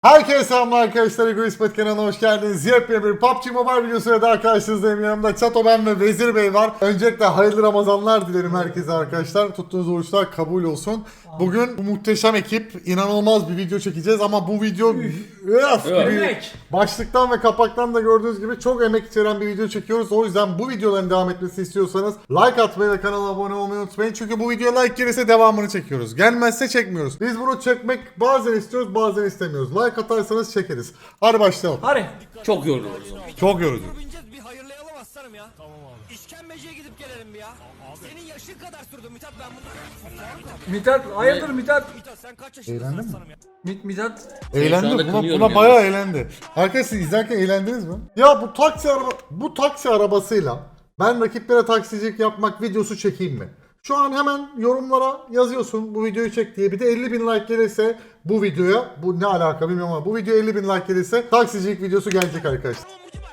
Herkese selamlar arkadaşlar. Egoist kanalına hoş geldiniz. Yepyeni bir PUBG Mobile videosuyla daha karşınızdayım. Yanımda Çato, ben ve Vezir Bey var. Öncelikle hayırlı Ramazanlar dilerim herkese arkadaşlar. Tuttuğunuz oruçlar kabul olsun. Bugün bu muhteşem ekip inanılmaz bir video çekeceğiz ama bu video başlıktan ve kapaktan da gördüğünüz gibi çok emek içeren bir video çekiyoruz. O yüzden bu videoların devam etmesini istiyorsanız like atmayı ve kanala abone olmayı unutmayın. Çünkü bu video like gelirse devamını çekiyoruz. Gelmezse çekmiyoruz. Biz bunu çekmek bazen istiyoruz, bazen istemiyoruz. Like atarsanız çekeriz. Hadi başlayalım. Hadi. Çok yoruluyoruz. Çok yorucu. Bir hayırlayalım aslanım ya. Tamam abi. İşkembeciye gidip gelelim bir ya. Senin yaşın kadar sürdü Mithat, ben bunu... Mithat, hayırdır Mithat? Mithat sen kaç yaşındasın Eğlendin mi? aslanım ya? Mithat. Şu Eğlendi. anda Buna kınıyorum bayağı yalnız. eğlendi. Arkadaşlar izlerken eğlendiniz mi? Ya bu taksi arabasıyla ben rakiplere taksicilik yapmak videosu çekeyim mi? Şu an hemen yorumlara yazıyorsun bu videoyu çek diye. Bir de 50.000 like gelirse bu videoya, bu ne alaka bilmiyorum ama bu video 50.000 like gelirse taksicilik videosu gelecek arkadaşlar.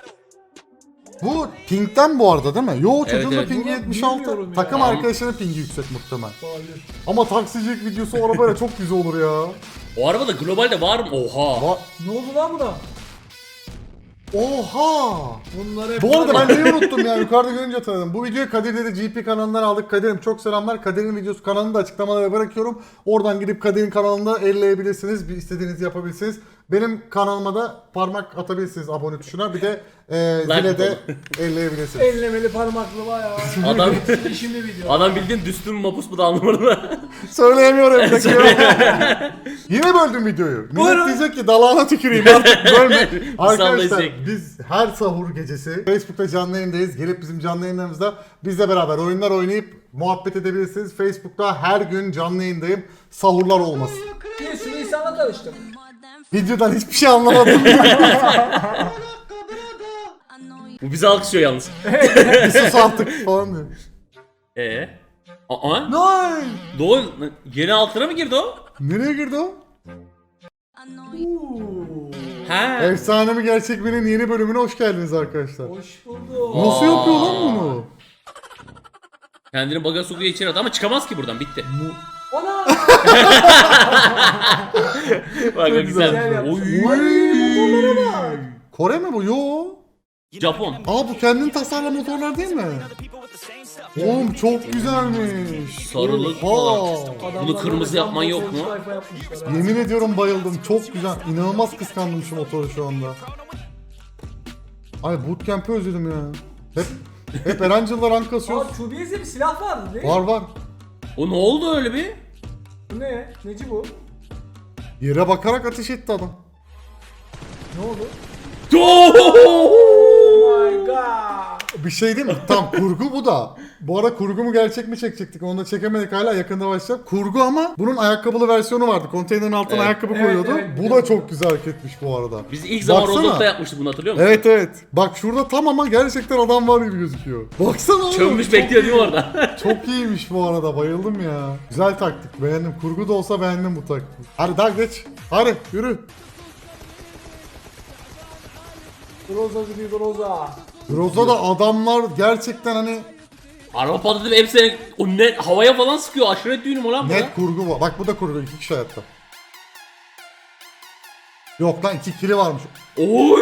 Bu ping'den bu arada değil mi? Yo, çocuğun da evet. pingi Bunu 76. bilmiyorum ya. Takım arkadaşının pingi yüksek muhtemelen. Hayır. Ama taksicilik videosu o arabayla çok güzel olur ya. O arabada globalde var mı? Oha. Ne oldu lan buna? Oha! Bunlar hep Bu arada var ben ya. neyi unuttum ya, yukarıda görünce tanıdım. Bu videoyu Kadir dedi GP kanalından aldık. Kadir'im çok selamlar. Kadir'in videosu kanalını da açıklamalara bırakıyorum. Oradan gidip Kadir'in kanalında elleyebilirsiniz. Bir istediğinizi yapabilirsiniz. Benim kanalıma da parmak atabilirsiniz abone tuşuna. Bir de zile de elleyebilirsiniz. Ellemeli parmaklı var ya. Adam İşimli video. adam bildiğin düstün mü mapus mu da anlamadım. Söyleyemiyorum. Yine böldüm videoyu. Millet Buyurun. diyecek ki dalağına tüküreyim artık bölme. Arkadaşlar Sallayacak. biz her sahur gecesi Facebook'ta canlı yayındayız. Gelip bizim canlı yayınlarımızda bizle beraber oyunlar oynayıp muhabbet edebilirsiniz. Facebook'ta her gün canlı yayındayım. Sahurlar olmasın. Bir sürü insanla tanıştım. Videodan hiçbir şey anlamadım. Bu bizi alkışlıyor yalnız. Bir sus artık falan diyor. Aa. Nein! Doğu yeni altına mı girdi o? Nereye girdi o? He. Efsane mi gerçek mi'nin yeni bölümüne hoş geldiniz arkadaşlar. Hoş bulduk. Nasıl yapıyor lan bunu? Kendini baga sokuyor içeri attı ama çıkamaz ki buradan, bitti. Ana! Bak güzel. güzel. yapmış. Oy. Kore mi bu? Yo. Japon. Aa, bu kendin tasarlayan motorlar değil mi? Oğlum çok güzelmiş. Sarılık Oha. falan. Bunu kırmızı yapman yok mu? Sayfa yapmışlar ha. Yemin ediyorum bayıldım. Çok güzel. İnanılmaz kıskandım şu motoru şu anda. Ay, bootcamp'i özledim ya. Hep Erancıl'la rank kasıyoruz. Aa, Tubiye'de bir silah vardı değil mi? Var. O ne oldu öyle bir? Bu ne? Neci bu? Yere bakarak ateş etti adam. Ne oldu? Oh Oh my god. Bir şey değil mi? Tam kurgu bu da. Bu ara kurgu mu gerçek mi çekecektik? Onu da çekemedik, hala yakında başlayacak. Kurgu ama bunun ayakkabılı versiyonu vardı. Konteynerin altına Evet. ayakkabı Evet, koyuyordu. evet, Bu da biliyorum. çok güzel hareketmiş bu arada. Biz ilk zaman Baksana. Rozok'ta yapmıştık bunu, hatırlıyor musun? Evet. Bak şurada tam ama gerçekten adam var gibi gözüküyor. Baksana oğlum. Çömmüş çok bekliyor değil mi iyi. orada? Çok iyiymiş bu arada, bayıldım ya. Güzel taktik, beğendim. Kurgu da olsa beğendim bu taktiği. Hadi daha geç. Hadi yürü. Groza gidiyor Groza. Groza'da adamlar gerçekten hani Araba patladı ve hepsi o ne havaya falan sıkıyor. Aşiret düğünü mü lan bu? net kurgu var. Bak bu da kurgu, 2 kişi hayatta. Yok lan, 2 kili varmış. Oy!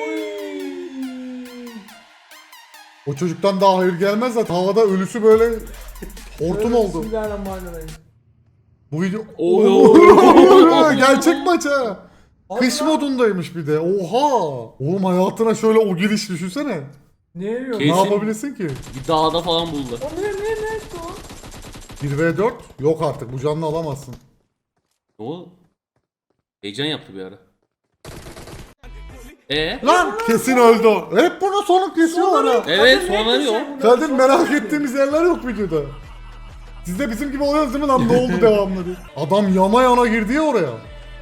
O çocuktan daha hayır gelmez zaten. Havada ölüsü böyle hortum oldu. Bismillahirrahmanirrahim. Bu video... Oo. Gerçek maç ha. Kış Allah. modundaymış bir de. Oha. Oğlum hayatına şöyle o giriş düşünsene. Ne yiyor? Kesin. Ne yapabilirsin ki? Bir dağda falan buldu. O ne işte o? 1v4 yok artık, bu canlı alamazsın. O heyecan yaptı bir ara. Lan kesin öldü o. Hep buna sonuk kesiyorlar ha. Evet, sonra ne o? Kadir, merak ettiğimiz yerler yok videoda. Siz de bizim gibi oluyorsunuz değil mi lan, ne oldu devamlı diye. Adam yana yana girdi ya oraya.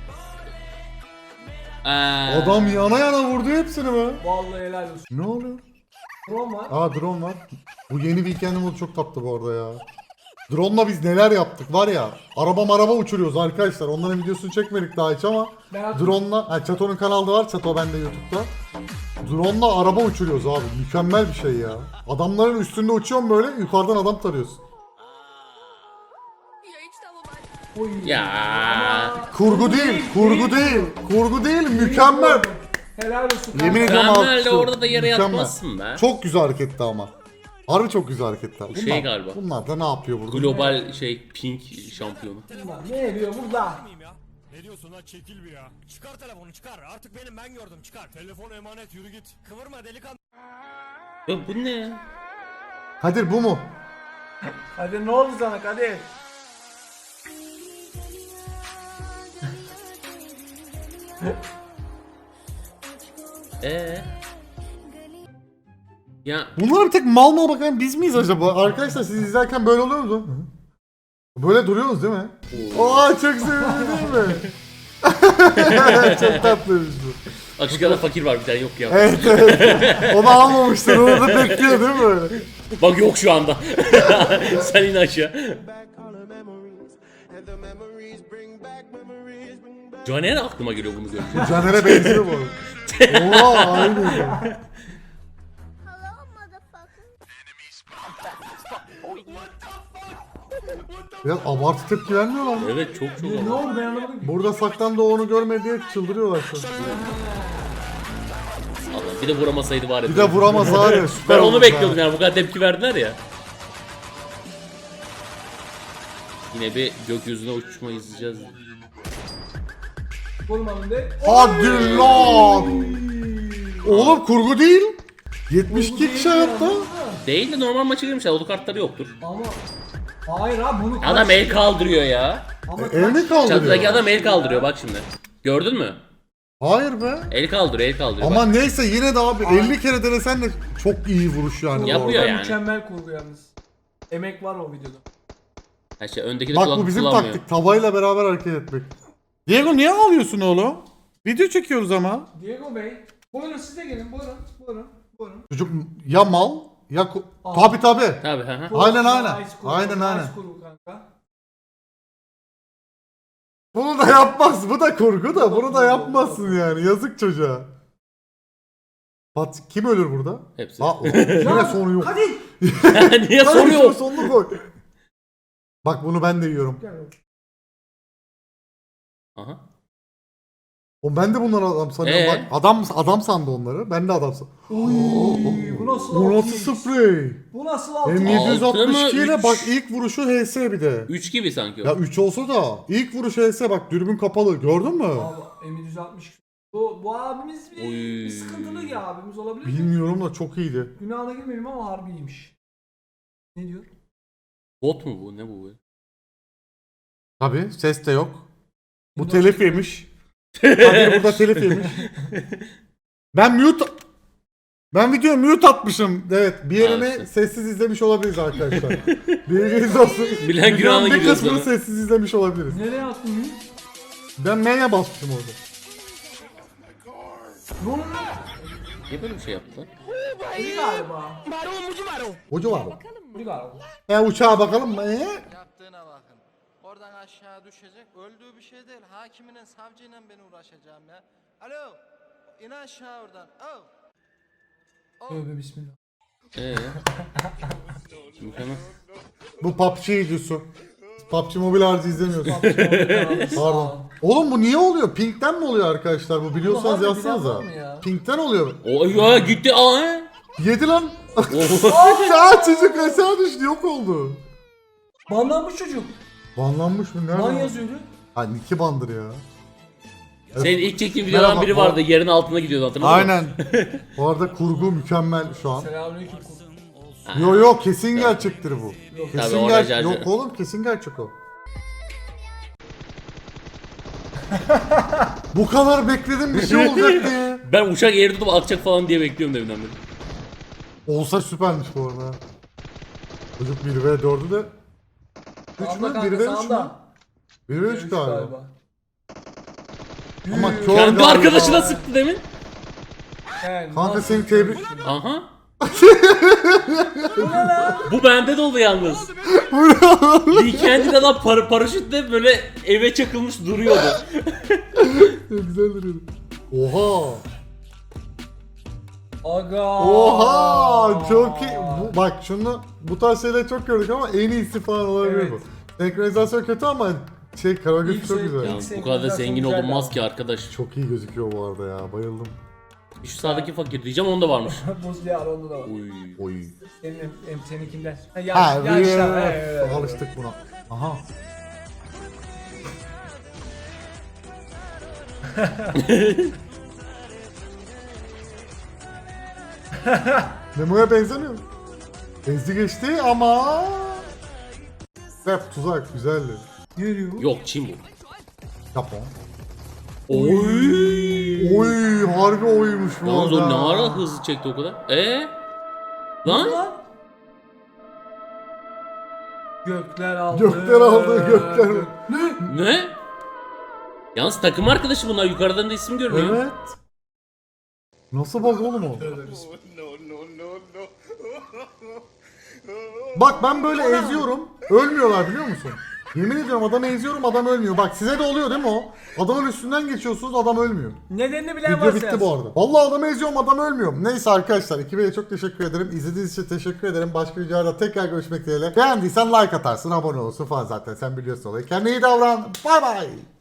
Adam yana yana vurdu hepsini be. Vallahi helal olsun. Ne oluyor? Drone var. Aa, drone var. Bu yeni weekend modu çok tatlı bu arada ya. Drone'la biz neler yaptık var ya. Araba uçuruyoruz arkadaşlar. Onların videosunu çekmedik daha hiç ama Ben hatırlıyorum. drone'la, Çato'nun kanalda var. Çato bende YouTube'da. Drone'la araba uçuruyoruz abi. Mükemmel bir şey ya. Adamların üstünde uçuyorsun böyle, yukarıdan adam tarıyorsun. Oy. Ya. Ama- Kurgu değil, kurgu değil. Kurgu değil, mükemmel. Helal olsun. Yemin ediyorum Mükemmel de alkışlıyorum. orada da yere Mükemmel. yatmazsın be. Çok güzel hareketti ama. Harbi çok güzel hareketler. Bu şey galiba. Bunlar da ne yapıyor burada? Global pink şampiyonu. Ulan ne eriyor burada? Miyim ya? Ne diyorsun lan çekil bir ya. Çıkar telefonu çıkar. Artık benim ben gördüm çıkar. Telefon emanet yürü git. Kıvırma delikanlı. Ya bu ne ya? Kadir bu mu? Hadi ne oldu sana Kadir? Ya Bunlar bir tek mal mal bakan biz miyiz acaba? Arkadaşlar siz izlerken böyle oluyor mu? Böyle duruyorsunuz değil mi? Aa çok sevimli değil mi? Çok tatlıymış bu. açık ara fakir var bir tane yok ya. Evet evet. Onu almamışlar. Onu da bekliyor değil mi böyle? Bak yok şu anda. Sen in aşağı. Caner aklıma geliyor bunu görünce. Caner'e benziyor bu arada. Oha aynı. Hello, motherfucker. Biraz abartı tepki vermiyorlar mı? Evet çok çok Ne ama. oldu ben anlamadım ki. Burada saklandı onu görmedi diye çıldırıyorlar şu an. Allah, bir de vuramasaydı var ya. Bir de vuramaz abi. Süper Ben onu olmuş bekliyordum ha. yani bu kadar tepki verdiler ya. Yine bir gökyüzüne uçma izleyeceğiz. Vurmadım de. Hadi lan. Oğlum kurgu değil. 72 kişi hayatta. Değil de normal maça girmişler. Olu kartları yoktur. Ama hayır abi bunu kaç- Adam el kaldırıyor ya. Ama Elini kaç- kaldırıyor. Çatıdaki adam el kaldırıyor bak şimdi. Gördün mü? Hayır be. El kaldırıyor, el kaldırıyor. Ama bak. neyse yine de abi 50 kere denesen de çok iyi vuruş yani. Yapıyor bu arada. yani. Mükemmel kurgu yalnız. Emek var o videoda. Ha şey, öndeki de Bak kulaklık bu bizim kullanmıyor. taktik. Tavayla beraber hareket etmek. Diego niye ağlıyorsun oğlum? Video çekiyoruz ama. Diego Bey. Buyurun siz de gelin. Buyurun. Buyurun. Buyurun. Çocuk ya mal ya Aa. tabi tabi. Tabii ha. Aynen, aynen. Ice kurgu, Aynen, aynen. Ice kurgu kanka. Bunu da yapmaz. Bu da kurgu da bunu da yapmazsın yani. Yazık çocuğa. Pat kim ölür burada? Hepsi. Ha, yine sonu yok. Hadi. Niye Hadi soruyor? sonunu koy. Bak bunu ben de yiyorum. Gel. Aha. O ben de bunları adam sanıyorum. Bak adam sandı onları. Ben de adam sandım. Oy, bu nasıl Bu altı? nasıl sprey? Bu nasıl altı? M762 ile Üç. bak ilk vuruşu HS bir de. 3 gibi sanki o. Ya 3 olsa da ilk vuruş HS bak dürbün kapalı gördün mü? Abi M760. Bu abimiz bir, Oy. bir sıkıntılı ya abimiz olabilir mi? Bilmiyorum da çok iyiydi. Günahına girmeyeyim ama harbi iyiymiş. Ne diyor? Bot mu bu? Ne bu? Tabi ses de yok. Bu Windows telif yemiş. Kadir burada telif yemiş. Ben video mute atmışım. Evet bir yerini Ha, işte. sessiz izlemiş olabiliriz arkadaşlar. Bilginiz olsun. Bilen günahına Videonun bir giriyor kısmını sonra. sessiz izlemiş olabiliriz. Nereye attın bunu? Ben M'ye basmışım orada. Ne oluyor? Niye böyle bir şey yaptılar? Bu galiba. Hoca var mı? Bu galiba. Uçağa bakalım mı? Yaptığına bakın. Oradan aşağı düşecek. Öldüğü bir şey değil. Hakiminin, savcıyla ben uğraşacağım ya. Alo. İn aşağı oradan. Oh. Tövbe bismillah. Mükemmel. Bu PUBG videosu. PUBG Mobile harcı izlemiyorsun. Pardon. Pardon. Oğlum bu niye oluyor? Pink'ten mi oluyor arkadaşlar bu? Biliyorsanız Oğlum, harbi bilen var yazsanıza. mı ya? Pink'ten oluyor. O ya gitti aa he. Yedi lan. Oh. Ya çocuk aşağı düştü yok oldu. Banlanmış çocuk. Banlanmış mı? Nerede? Ban yazıyordu. Ha Nicky bandır ya. Senin ilk çektiğin videodan Merhaba, biri bu- vardı. Yerin altına gidiyordu hatırladın mı? Aynen. Bu arada kurgu mükemmel şu an. Selamünaleyküm. Yo kesin gerçektir bu. Yok. Tabii, Kesin oracı Yok harcı. oğlum kesin gerçek o. Bu kadar bekledim bir şey olacak diye. Ben uçak eğri tutup atacak falan diye bekliyorum deminden beri. Olsa süpermiş bu arada. Çocuk 1v4'ü de 3 mü? Sağında kanka 1v3 mü? sağında. 1v3 galiba. Galiba. Ama kör Kendi galiba. arkadaşına sıktı demin. Yani Kanka nasıl- seni tebrik... Aha. Bu bende de oldu yalnız. Weekend'in adam paraşütle böyle eve çakılmış duruyordu. Güzel duruyordu. Oha. Aga. Oha çok iyi. Bak şunu bu tarz şeyleri çok gördük ama en iyisi falan olabilir Evet. bu. Senkronizasyon kötü ama Koreografi çok güzel. Yalnız bu kadar da zengin olunmaz ki arkadaş. Çok iyi gözüküyor bu arada ya. Bayıldım. Şu sağdaki fakir diyeceğim, onda varmış. Buz diye Aron'da da var. Oy. Oy. Seninkinden. Ha, Yaşlar. Evet. alıştık buna. Aha. Memo'ya benzemiyor mu? Ezdi geçti ama... Rap tuzak güzeldi. Yürüyor. Yok, Çin bu. Japon. Oy. Oy harbi oymuş bu Yalnız arada. o ne ara hızlı çekti o kadar? Lan? Gökler aldı. Gökler aldı, gökler. Ne? Yalnız takım arkadaşı bunlar, yukarıdan da isim görmüyor. Evet. Nasıl bak oğlum o? Bak ben böyle eziyorum. Ölmüyorlar biliyor musun? Yemin ediyorum adamı eziyorum, adam ölmüyor. Bak size de oluyor değil mi o? Adamın üstünden geçiyorsunuz, adam ölmüyor. Nedenini bilen Video varsa bitti yazsın. bu arada. Vallahi adamı eziyorum, adam ölmüyor. Neyse arkadaşlar, ekibe çok teşekkür ederim. İzlediğiniz için teşekkür ederim. Başka videolarda tekrar görüşmek dileğiyle. Beğendiysen like atarsın, abone olursun falan zaten. Sen biliyorsun olayı. Kendine iyi davran. Bay bay.